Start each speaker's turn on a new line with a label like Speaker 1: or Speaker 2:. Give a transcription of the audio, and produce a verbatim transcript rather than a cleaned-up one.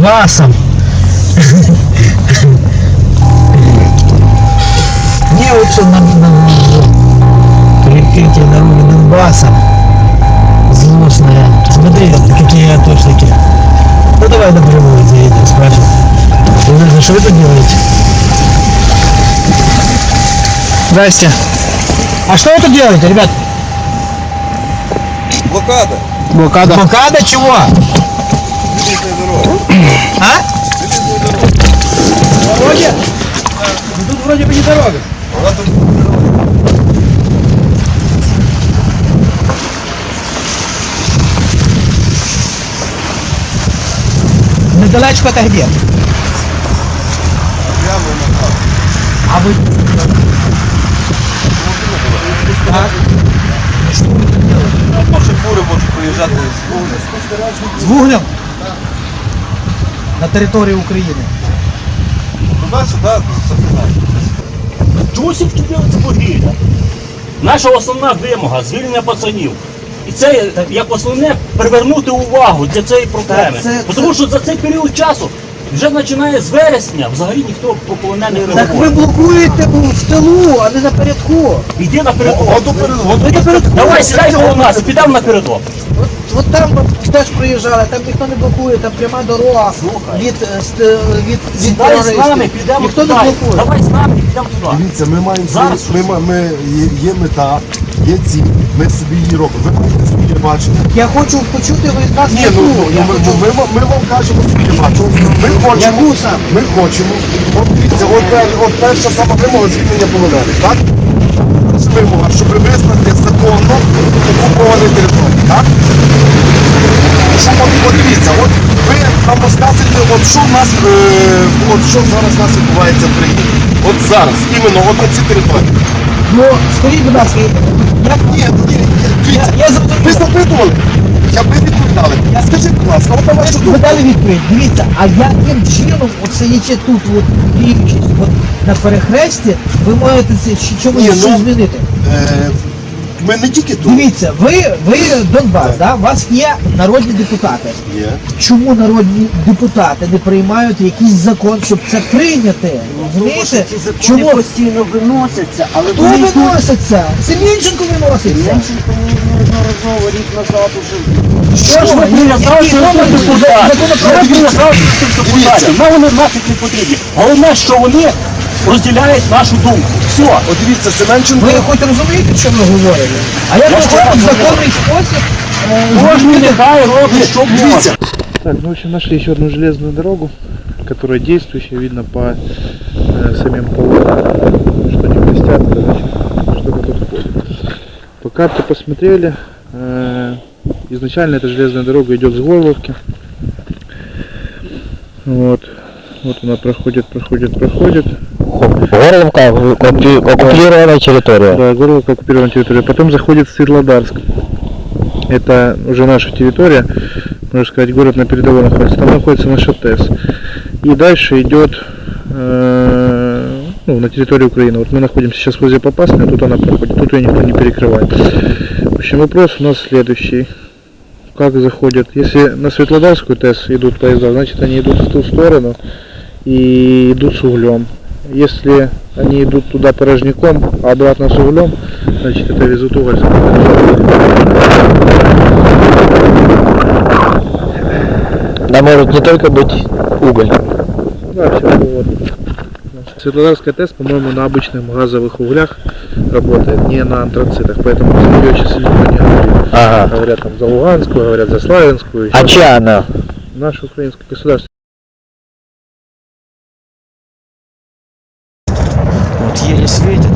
Speaker 1: Донбассом. Мне лучше на, на перекрытие дороги Донбасса. Злостная. Смотри, какие атошники. Ну давай напрямую заедем, спрашивай. Вы, что вы тут делаете? Здрасте. А что вы тут делаете, ребят?
Speaker 2: Блокада.
Speaker 1: Блокада. Блокада чего?
Speaker 2: Железная дорога.
Speaker 1: А?
Speaker 2: Железная дорога.
Speaker 1: Вроде? Ну тут вроде бы не дорога.
Speaker 2: Она тут дорога.
Speaker 1: Недалечко это где?
Speaker 2: Прямо на хату.
Speaker 1: А вы... А?
Speaker 2: Наші фури можуть приїжджати з вуглем.
Speaker 1: З вуглем? На території України.
Speaker 2: Туди-сюди, запитати.
Speaker 3: Чому всі вчепилися вугілля? Наша основна вимога – звільнення пацанів. І це як основне привернути увагу для цієї проблеми.
Speaker 1: Так, це-
Speaker 3: Тому що за цей період часу вже починає з вересня, взагалі ніхто про полонених не
Speaker 1: Так ви
Speaker 3: говорить.
Speaker 1: блокуєте в тилу, а не напередку.
Speaker 3: Іди напередок.
Speaker 2: Году перед году.
Speaker 1: Ви напередку.
Speaker 3: Давай, сідай коло нас і підемо напередок.
Speaker 1: От, от там от теж проїжджали, там ніхто не блокує, там пряма дорога
Speaker 3: Слухай.
Speaker 1: від, е, ст- від, від
Speaker 3: Сідай з
Speaker 1: терористів.
Speaker 3: нами, підемо
Speaker 1: Ніхто
Speaker 3: туди.
Speaker 1: не блокує.
Speaker 3: Давай з нами, підемо туди.
Speaker 4: Дивіться, ми маємо
Speaker 3: Зараз
Speaker 4: свої- ми, ма- ми, є, є мета, є ціль, ми собі її робимо. Ви можете своє бачення.
Speaker 1: Я хочу почути від нас
Speaker 4: Ні,
Speaker 1: мету.
Speaker 4: ну, ну
Speaker 1: Я
Speaker 4: ми,
Speaker 1: хочу-
Speaker 4: ми, ми, ми вам кажемо своє бачення. Ми хочемо,
Speaker 1: Яку саме?
Speaker 4: ми хочемо. От дивіться, от, пер- от перша сама вимога звільнення полонених, так? Це вимога, щоб визнати законно окуповані території, так? Що, от, от дивіться, от ви нам розказуєте, от що в нас, е, от що зараз у нас відбувається в країні. От зараз, іменно, от на цій території.
Speaker 1: Ну, скажіть, будь ласка, як...
Speaker 4: Ні, ні, ні, дивіться,
Speaker 1: Я- я зрозумів.
Speaker 4: ви запитували, я би відповідали. Скажіть, будь ласка, от на вашу
Speaker 1: Ви
Speaker 4: думку.
Speaker 1: дали відповідь. Дивіться, а яким чином, от сидячи тут, от, діючись, от, на перехресті, ви можете це щ- чомусь
Speaker 4: Ні, ну,
Speaker 1: щось змінити?
Speaker 4: Е, ми не тільки тут.
Speaker 1: Дивіться, ви, ви Донбас, да? у вас є народні депутати.
Speaker 4: Є.
Speaker 1: Чому народні депутати не приймають якийсь закон, щоб це прийняти? Розумієте? Чому
Speaker 5: постійно виносяться, але
Speaker 1: хто
Speaker 5: вони тут
Speaker 1: виноситься? Семенченко виноситься.
Speaker 5: Меншенко неодноразово рік назад уже.
Speaker 1: Що ж ви
Speaker 3: Прив'язалися до
Speaker 1: який
Speaker 3: тих
Speaker 1: номер
Speaker 3: депутатів. Ми прив'язалися до тих депутатів. Нам вони нафіг не потрібні. Головне, що вони розділяють нашу думку. Все.
Speaker 4: От дивіться, Семенченко.
Speaker 1: Ви хоч розумієте, що ви говорите? А як
Speaker 3: Я
Speaker 1: ви
Speaker 3: ще
Speaker 1: можете в
Speaker 3: раз
Speaker 1: законний спосіб е,
Speaker 3: Кожен
Speaker 1: змінити?
Speaker 3: нехай робить, що може.
Speaker 6: Так, ну в общем нашли еще одну железную дорогу, которая действующая, видно по э, самим полотнам, что они блестят, значит, что-то тут ходит. По карте посмотрели, э, изначально эта железная дорога идет с Горловки. Вот, вот она проходит, проходит, проходит.
Speaker 7: Горловка оккупированная территория.
Speaker 6: Да, Горловка оккупированная территория. Потом заходит в Светлодарск. Это уже наша территория, можно сказать, город на передовой находится. Там находится наша ТЭС. И дальше идет э, ну, на территории Украины. Вот мы находимся сейчас возле Попасной, тут она проходит, тут ее никто не перекрывает. В общем, вопрос у нас следующий. Как заходят? Если на Светлодарскую ТЭС идут поезда, значит они идут в ту сторону и идут с углем. Если они идут туда порожняком, а обратно с углем, значит это везут уголь.
Speaker 7: Да может не только быть уголь.
Speaker 6: Да, все вот. Светлодарская ТЭС, по-моему, на обычных газовых углях работает, не на антрацитах, поэтому за нее сейчас никто не говорит.
Speaker 7: Ага.
Speaker 6: Говорят там за Луганскую, говорят за Славянскую.
Speaker 7: А чья она?
Speaker 6: Наше украинское государство.
Speaker 1: Вот еле светит.